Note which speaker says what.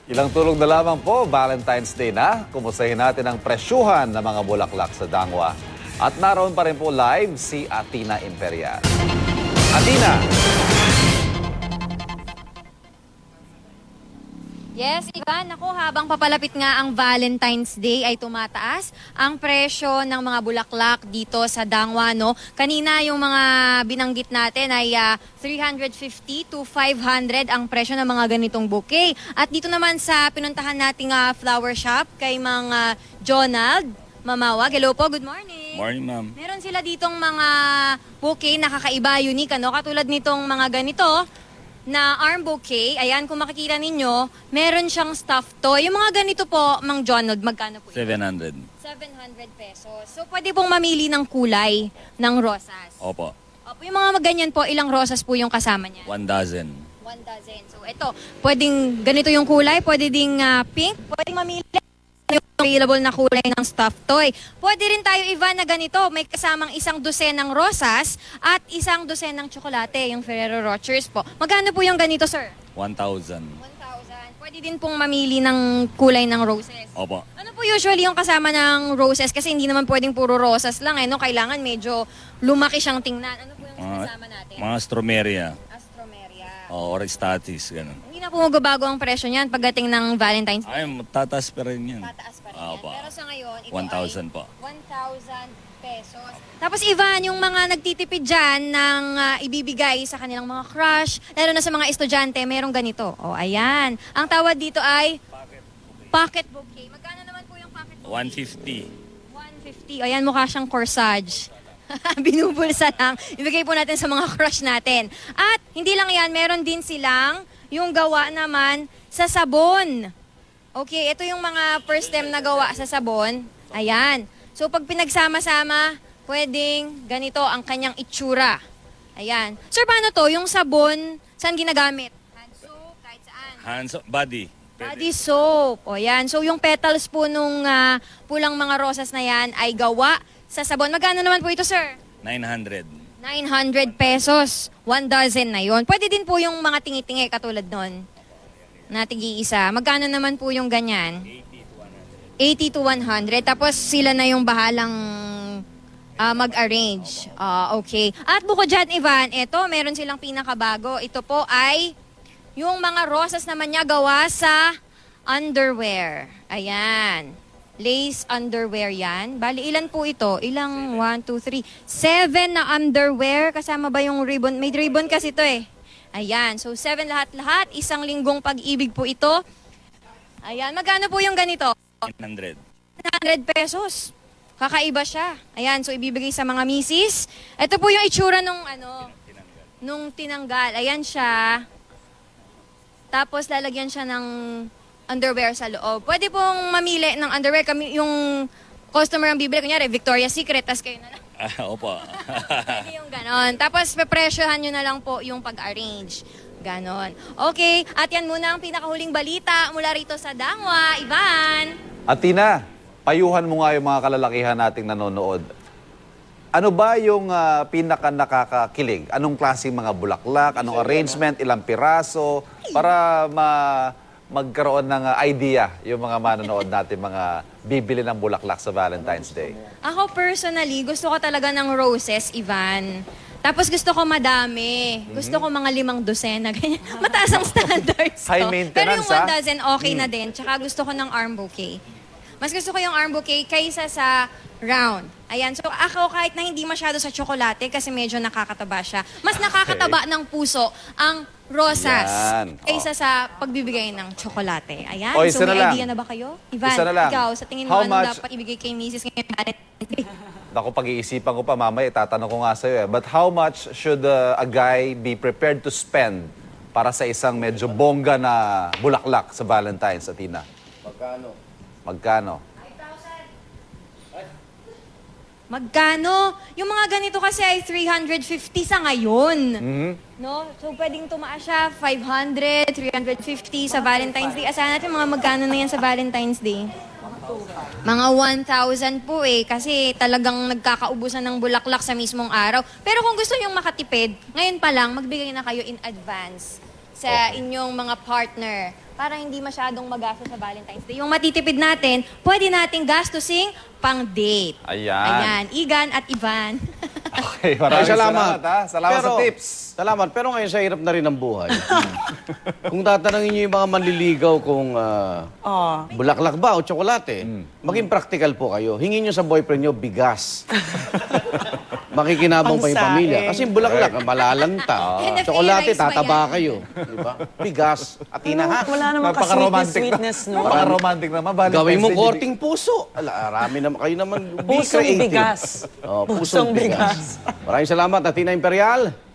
Speaker 1: Ilang tulog na lamang po, Valentine's Day na. Kumustahin natin ang presyuhan ng mga bulaklak sa Dangwa. At naroon pa rin po live si Atina Imperial. Atina!
Speaker 2: Yes, Ivan, ako habang papalapit nga ang Valentine's Day ay tumataas ang presyo ng mga bulaklak dito sa Dangwa, no? Kanina yung mga binanggit natin ay 350 to 500 ang presyo ng mga ganitong bouquet. At dito naman sa pinuntahan nating flower shop kay mga Jonald Mamawag. Hello po, good morning.
Speaker 3: Morning, ma'am.
Speaker 2: Meron sila ditong mga bouquet na kakaiba, unique, ano? Katulad nitong mga ganito na arm bouquet. Ayan, kung makikita ninyo, meron siyang stuffed toy. Yung mga ganito po, Mang Jonald, magkano po?
Speaker 3: 700.
Speaker 2: 700 pesos. So, pwede pong mamili ng kulay ng rosas.
Speaker 3: Opo.
Speaker 2: Opo, yung mga ganyan po, ilang rosas po yung kasama niya?
Speaker 3: 1 dozen.
Speaker 2: 1 dozen. So, ito, pwedeng ganito yung kulay, pwede ding pink, pwedeng mamili yung available na kulay ng stuffed toy. Pwede rin tayo, Ivan, na ganito. May kasamang 1 dosenang rosas at 1 dosenang tsokolate, yung Ferrero Rochers po. Magkano po yung ganito, sir?
Speaker 3: 1,000.
Speaker 2: 1,000. Pwede din pong mamili ng kulay ng roses.
Speaker 3: Opo.
Speaker 2: Ano po usually yung kasama ng roses? Kasi hindi naman pwedeng puro rosas lang, no? Kailangan medyo lumaki siyang tingnan. Ano po yung kasama natin?
Speaker 3: Mga stromeria.
Speaker 2: Astromeria.
Speaker 3: Or statis, ganun.
Speaker 2: Hindi na po magbabago ang presyo niyan pagdating ng Valentine's Day.
Speaker 3: Ay, tataas pa rin yan.
Speaker 2: Tataas pa rin yan.
Speaker 3: Opo.
Speaker 2: Pero sa ngayon, ito
Speaker 3: 1,000
Speaker 2: ay
Speaker 3: po.
Speaker 2: 1,000 pesos. Tapos Ivan, yung mga nagtitipid dyan ng ibibigay sa kanilang mga crush, lalo na sa mga estudyante, merong ganito. O, ayan. Ang tawag dito ay pocket bouquet. Magkano naman po yung pocket bouquet?
Speaker 3: 150.
Speaker 2: 150. Ayan, mukha siyang corsage. Binubulsa lang. Ibigay po natin sa mga crush natin. At hindi lang yan, meron din silang yung gawa naman sa sabon. Okay, ito yung mga first time na gawa sa sabon. Ayan. So pag pinagsama-sama, pwedeng ganito ang kanyang itsura. Ayan. Sir, paano to? Yung sabon, saan ginagamit? Hand soap, kahit saan.
Speaker 3: Hands, body.
Speaker 2: Body soap. O yan. So yung petals po nung pulang mga rosas na yan ay gawa sa sabon. Magkano naman po ito, sir?
Speaker 3: 900.
Speaker 2: 900 pesos. 1 dozen na yon. Pwede din po yung mga tingi-tingi katulad nun. Na tig-iisa. Magkano naman po yung ganyan? 80 to 100. Tapos sila na yung bahalang mag-arrange. Okay. At bukod dyan, Ivan, ito, meron silang pinakabago. Ito po ay yung mga rosas naman niya gawa sa underwear. Ayan. Lace underwear yan. Bali, ilan po ito? Ilang? 1, 2, 3. 7 na underwear. Kasama ba yung ribbon? May ribbon kasi ito eh. Ayan. So, 7 lahat-lahat. 1 linggong pag-ibig po ito. Ayan. Magkano po yung ganito?
Speaker 3: 900.
Speaker 2: 100 pesos. Kakaiba siya. Ayan. So, ibibigay sa mga misis. Ito po yung itsura nung tinanggal. Ayan siya. Tapos, lalagyan siya ng underwear sa loob. Pwede pong mamili ng underwear. Kami, yung customer ang bibili, kunyari, Victoria's Secret, tas kayo na lang.
Speaker 3: Opo.
Speaker 2: Pwede yung ganon. Tapos, pepresyohan nyo na lang po yung pag-arrange. Ganon. Okay, at yan muna ang pinakahuling balita mula rito sa Dangwa. Ivan!
Speaker 1: Atina, payuhan mo nga yung mga kalalakihan nating nanonood. Ano ba yung pinaka nakakakilig? Anong klaseng mga bulaklak? Anong arrangement? Ilang piraso? Para magkaroon ng idea yung mga manonood natin, mga bibili ng bulaklak sa Valentine's Day.
Speaker 2: Ako personally, gusto ko talaga ng roses, Ivan. Tapos gusto ko madami. Gusto ko mga 5 dosena. Ganyan. Mataas ang standards ko.
Speaker 1: High maintenance,
Speaker 2: Pero yung 1 dozen, okay na din. Tsaka gusto ko ng arm bouquet. Mas gusto ko yung arm bouquet kaysa sa round. Ayan. So ako kahit na hindi masyado sa tsokolate kasi medyo nakakataba siya. Mas nakakataba ng puso ang rosas
Speaker 1: Yan.
Speaker 2: kaysa sa pagbibigay ng tsokolate. Ayan.
Speaker 1: O,
Speaker 2: So
Speaker 1: isa na
Speaker 2: may
Speaker 1: lang.
Speaker 2: idea na ba kayo? Ivan,
Speaker 1: Isa na lang.
Speaker 2: ikaw, sa tingin mo
Speaker 1: How
Speaker 2: ano
Speaker 1: much-
Speaker 2: dapat ibigay kay Mrs. ngayon?
Speaker 1: Naku, pag-iisipan ko pa mamaya, itatanong ko nga sa'yo eh. But how much should a guy be prepared to spend para sa isang medyo bongga na bulaklak sa Valentine's, Atina? Magkano?
Speaker 2: Magkano? Yung mga ganito kasi ay 350 sa ngayon. No? So, pwedeng tumaas siya 500, 350 sa Valentine's Day. Asahan natin mga magkano na yan sa Valentine's Day. Mga 1,000 po eh, kasi talagang nagkakaubusan ng bulaklak sa mismong araw. Pero kung gusto nyong makatipid, ngayon pa lang, magbigay na kayo in advance sa inyong mga partner para hindi masyadong magastos sa Valentine's Day. Yung matitipid natin, pwede nating gastusing pang-date.
Speaker 1: Ayan.
Speaker 2: Ayan, Igan at Ivan.
Speaker 1: Okay, maraming salamat ha. Salamat sa tips.
Speaker 4: Salamat. Pero ngayon sa hirap na rin ng buhay. Kung tatanungin niyo yung mga manliligaw kung bulaklak ba o tsokolate, maging practical po kayo. Hingin niyo sa boyfriend niyo bigas. Makikinabang pa yung
Speaker 5: Pangsaing.
Speaker 4: pamilya. Kasi yung bulaklak, malalanta.
Speaker 2: And the
Speaker 4: Tsokolate,
Speaker 2: free rice pa
Speaker 4: tataba
Speaker 2: yan.
Speaker 4: kayo. Diba? Bigas. At inahat.
Speaker 5: Wala naman ka-sweetness, no?
Speaker 1: Napaka-romantic naman. Valentine's
Speaker 4: Gawin mo
Speaker 1: Day,
Speaker 4: korting puso. Arami naman kayo naman. Be
Speaker 5: Pusong
Speaker 4: creative.
Speaker 5: bigas.
Speaker 4: Oh,
Speaker 5: Pusong bigas.
Speaker 4: Maraming salamat, Athena Imperial.